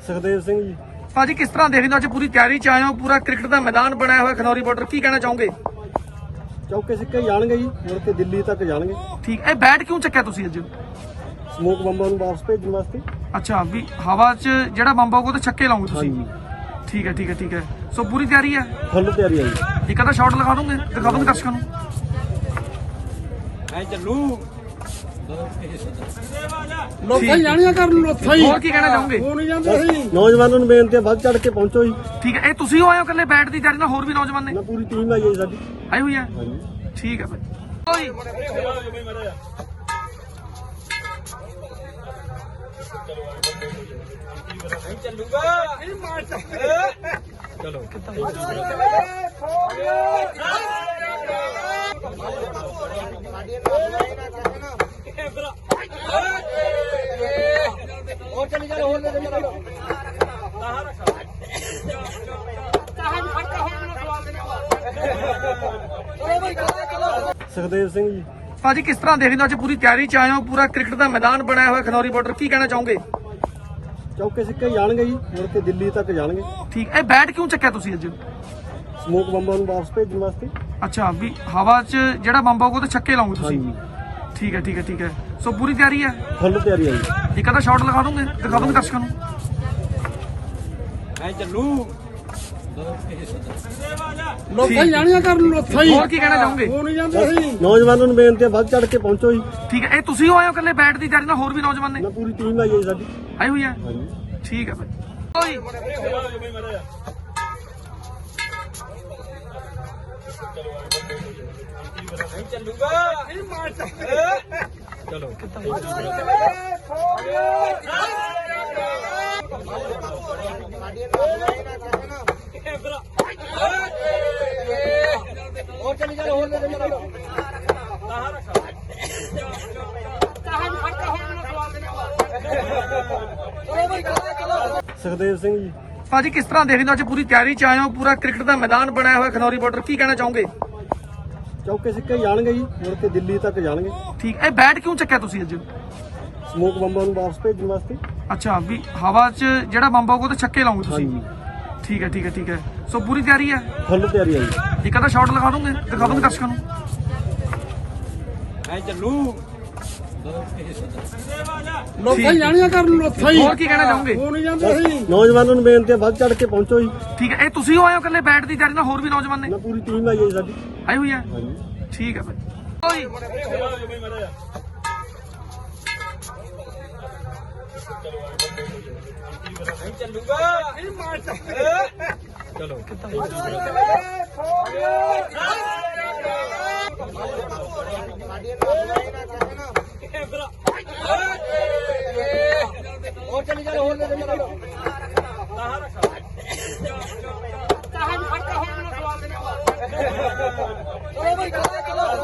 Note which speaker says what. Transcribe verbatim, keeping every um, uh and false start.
Speaker 1: ਸੁਖਦੇਵ ਸਿੰਘ ਜੀ।
Speaker 2: ਭਾਜੀ ਕਿਸ ਤਰ੍ਹਾਂ ਦੇਖਦੇ ਹੋ ਅੱਜ ਪੂਰੀ ਤਿਆਰੀ ਚ ਆਏ ਹੋ, ਪੂਰਾ ਕ੍ਰਿਕਟ ਦਾ ਮੈਦਾਨ ਬਣਾਇਆ ਹੋਇਆ ਖਨੌਰੀ ਬਾਰਡਰ, ਕੀ ਕਹਿਣਾ ਚਾਹੋਗੇ?
Speaker 1: ਚੌਕੇ ਸਿੱਕੇ ਹੀ ਜਾਣਗੇ ਜੀ, ਮੁੜ ਕੇ ਦਿੱਲੀ ਤੱਕ ਜਾਣਗੇ।
Speaker 2: ਠੀਕ, ਇਹ ਬੈਟ ਕਿਉਂ ਚੱਕਿਆ ਤੁਸੀਂ ਅੱਜ?
Speaker 1: ਸਮੋਕ ਬੰਬਾਂ ਨੂੰ ਵਾਪਸ ਭੇਜਣ ਵਾਸਤੇ।
Speaker 2: ਅੱਛਾ, ਵੀ ਹਵਾ 'ਚ ਜਿਹੜਾ ਬੰਬ ਆਊਗਾ ਉਹ ਤੇ ਛੱਕੇ ਲਾਉਂਗੇ ਤੁਸੀਂ?
Speaker 1: ਹਾਂਜੀ,
Speaker 2: ਠੀਕ ਹੈ ਠੀਕ ਹੈ ਠੀਕ ਹੈ। ਸੋ ਪੂਰੀ ਤਿਆਰੀ ਹੈ,
Speaker 1: ਫੁੱਲ ਤਿਆਰੀ ਹੈ ਜੀ।
Speaker 2: ਇੱਕ ਅੱਧਾ ਸ਼ਾਟ ਲਗਾ ਦੋਗੇ, ਦਿਖਾ ਦੋਗੇ ਦਰਸ਼ਕਾਂ ਨੂੰ?
Speaker 3: ਐ ਚੱਲੂ
Speaker 2: ਲੋਕਾਂ ਹੀ
Speaker 3: ਜਾਣੀਆਂ ਕਰਨ ਲੋਕਾਂ ਹੀ।
Speaker 2: ਹੋਰ ਕੀ ਕਹਿਣਾ ਚਾਹੋਗੇ?
Speaker 3: ਉਹ ਨਹੀਂ ਜਾਂਦੇ ਸੀ।
Speaker 1: ਨੌਜਵਾਨਾਂ ਨੂੰ ਬੇਨਤੀ ਹੈ, ਵੱਧ ਚੜ ਕੇ ਪਹੁੰਚੋ ਜੀ।
Speaker 2: ਠੀਕ ਹੈ, ਇਹ ਤੁਸੀਂ ਹੋ ਆਏ ਹੋ ਇਕੱਲੇ ਬੈਟ ਦੀ ਤਿਆਰੀ ਨਾਲ, ਹੋਰ ਵੀ ਨੌਜਵਾਨ ਨੇ
Speaker 1: ਨਾ ਪੂਰੀ ਟੀਮ ਆਈ ਹੈ ਜੀ ਸਾਡੀ।
Speaker 2: ਆਈ ਹੋਈ ਹੈ?
Speaker 1: ਹਾਂਜੀ,
Speaker 2: ਠੀਕ ਹੈ ਭਾਈ।
Speaker 3: ਚੱਲੂਗਾ ਚਲੋ ਹੋਰ ਚੱਲੀ ਜਾ, ਹੋਰ ਚੱਲੀ ਜਾ।
Speaker 1: ਸੁਖਦੇਵ ਸਿੰਘ ਜੀ।
Speaker 2: ਭਾਜੀ ਕਿਸ ਤਰ੍ਹਾਂ ਦੇਖਦੇ ਹੋ ਅੱਜ ਪੂਰੀ ਤਿਆਰੀ ਚ ਆਏ ਹੋ, ਪੂਰਾ ਕ੍ਰਿਕਟ ਦਾ ਮੈਦਾਨ ਬਣਾਇਆ ਹੋਇਆ ਖਨੌਰੀ ਬਾਰਡਰ, ਕੀ ਕਹਿਣਾ ਚਾਹੋਗੇ?
Speaker 1: ਚੌਕੇ ਸਿੱਕੇ ਹੀ ਜਾਣਗੇ ਜੀ, ਮੁੜ ਕੇ ਦਿੱਲੀ ਤੱਕ ਜਾਣਗੇ।
Speaker 2: ਠੀਕ, ਇਹ ਬੈਟ ਕਿਉਂ ਚੱਕਿਆ ਤੁਸੀਂ ਅੱਜ?
Speaker 1: ਸਮੋਕ ਬੰਬਾਂ ਨੂੰ ਵਾਪਸ ਭੇਜਣ ਵਾਸਤੇ।
Speaker 2: ਅੱਛਾ, ਵੀ ਹਵਾ 'ਚ ਜਿਹੜਾ ਬੰਬ ਆਊਗਾ ਉਹ ਤੇ ਛੱਕੇ ਲਾਉਂਗੇ ਤੁਸੀਂ?
Speaker 1: ਹਾਂਜੀ,
Speaker 2: ਠੀਕ ਹੈ ਠੀਕ ਹੈ ਠੀਕ ਹੈ। ਸੋ ਪੂਰੀ ਤਿਆਰੀ ਹੈ,
Speaker 1: ਫੁੱਲ ਤਿਆਰੀ ਹੈ ਜੀ।
Speaker 2: ਇੱਕ ਅੱਧਾ ਸ਼ਾਟ ਲਗਾ ਦੋਗੇ, ਦਿਖਾ ਦੋਗੇ ਦਰਸ਼ਕਾਂ ਨੂੰ?
Speaker 3: ਐ ਚੱਲੂ
Speaker 2: ਲੋਕਾਂ ਹੀ
Speaker 3: ਜਾਣੀਆਂ ਕਰਨ ਲੋਕਾਂ ਹੀ।
Speaker 2: ਹੋਰ ਕੀ ਕਹਿਣਾ ਚਾਹੋਗੇ?
Speaker 3: ਉਹ ਨਹੀਂ ਜਾਂਦੇ ਸੀ।
Speaker 1: ਨੌਜਵਾਨਾਂ ਨੂੰ ਬੇਨਤੀ ਹੈ, ਵੱਧ ਚੜ ਕੇ ਪਹੁੰਚੋ ਜੀ।
Speaker 2: ਠੀਕ ਹੈ, ਇਹ ਤੁਸੀਂ ਹੋ ਆਏ ਹੋ ਇਕੱਲੇ ਬੈਟ ਦੀ ਤਿਆਰੀ ਨਾਲ, ਹੋਰ ਵੀ ਨੌਜਵਾਨ ਨੇ
Speaker 1: ਨਾ ਪੂਰੀ ਟੀਮ ਆਈ ਹੈ ਜੀ ਸਾਡੀ।
Speaker 2: ਆਈ ਹੋਈ ਹੈ?
Speaker 1: ਹਾਂਜੀ,
Speaker 2: ਠੀਕ ਹੈ ਭਾਈ।
Speaker 3: ਚੱਲੂਗਾ ਚਲੋ ਹੋਰ ਚੱਲੀ ਜਾ, ਹੋਰ ਚੱਲੀ ਜਾ।
Speaker 1: ਸੁਖਦੇਵ ਸਿੰਘ ਜੀ।
Speaker 2: ਭਾਜੀ ਕਿਸ ਤਰ੍ਹਾਂ ਦੇਖਦੇ ਹੋ ਅੱਜ ਪੂਰੀ ਤਿਆਰੀ ਚ ਆਏ ਹੋ, ਪੂਰਾ ਕ੍ਰਿਕਟ ਦਾ ਮੈਦਾਨ ਬਣਾਇਆ ਹੋਇਆ ਖਨੌਰੀ ਬਾਰਡਰ, ਕੀ ਕਹਿਣਾ ਚਾਹੋਗੇ?
Speaker 1: ਚੌਕੇ ਸਿੱਕੇ ਹੀ ਜਾਣਗੇ ਜੀ, ਮੁੜ ਕੇ ਦਿੱਲੀ ਤੱਕ ਜਾਣਗੇ।
Speaker 2: ਠੀਕ, ਇਹ ਬੈਟ ਕਿਉਂ ਚੱਕਿਆ ਤੁਸੀਂ ਅੱਜ?
Speaker 1: ਸਮੋਕ ਬੰਬਾਂ ਨੂੰ ਵਾਪਸ ਭੇਜਣ ਵਾਸਤੇ।
Speaker 2: ਅੱਛਾ, ਵੀ ਹਵਾ 'ਚ ਜਿਹੜਾ ਬੰਬ ਆਊਗਾ ਉਹ ਤੇ ਛੱਕੇ ਲਾਉਂਗੇ ਤੁਸੀਂ?
Speaker 1: ਹਾਂਜੀ,
Speaker 2: ਠੀਕ ਹੈ ਠੀਕ ਹੈ ਠੀਕ ਹੈ। ਸੋ ਪੂਰੀ ਤਿਆਰੀ ਹੈ,
Speaker 1: ਫੁੱਲ ਤਿਆਰੀ ਹੈ ਜੀ।
Speaker 2: ਇੱਕ ਅੱਧਾ ਸ਼ਾਟ ਲਗਾ ਦੋਗੇ, ਦਿਖਾ ਦੋਗੇ ਦਰਸ਼ਕਾਂ ਨੂੰ?
Speaker 3: ਐ ਚੱਲੂ
Speaker 2: ਲੋਕਾਂ ਹੀ
Speaker 3: ਜਾਣੀਆਂ ਕਰਨ ਲੋਕਾਂ ਹੀ।
Speaker 2: ਹੋਰ ਕੀ ਕਹਿਣਾ ਚਾਹੋਗੇ?
Speaker 3: ਉਹ ਨਹੀਂ ਜਾਂਦੇ ਸੀ।
Speaker 1: ਨੌਜਵਾਨਾਂ ਨੂੰ ਬੇਨਤੀ ਹੈ, ਵੱਧ ਚੜ ਕੇ ਪਹੁੰਚੋ ਜੀ।
Speaker 2: ਠੀਕ ਹੈ, ਇਹ ਤੁਸੀਂ ਹੋ ਆਏ ਹੋ ਇਕੱਲੇ ਬੈਟ ਦੀ ਤਿਆਰੀ ਨਾਲ, ਹੋਰ ਵੀ ਨੌਜਵਾਨ ਨੇ
Speaker 1: ਨਾ ਪੂਰੀ ਟੀਮ ਆਈ ਹੈ ਜੀ ਸਾਡੀ।
Speaker 2: ਆਈ ਹੋਈ ਹੈ?
Speaker 1: ਹਾਂਜੀ,
Speaker 2: ਠੀਕ ਹੈ ਭਾਈ।
Speaker 3: ਚੱਲੂਗਾ ਚਲੋ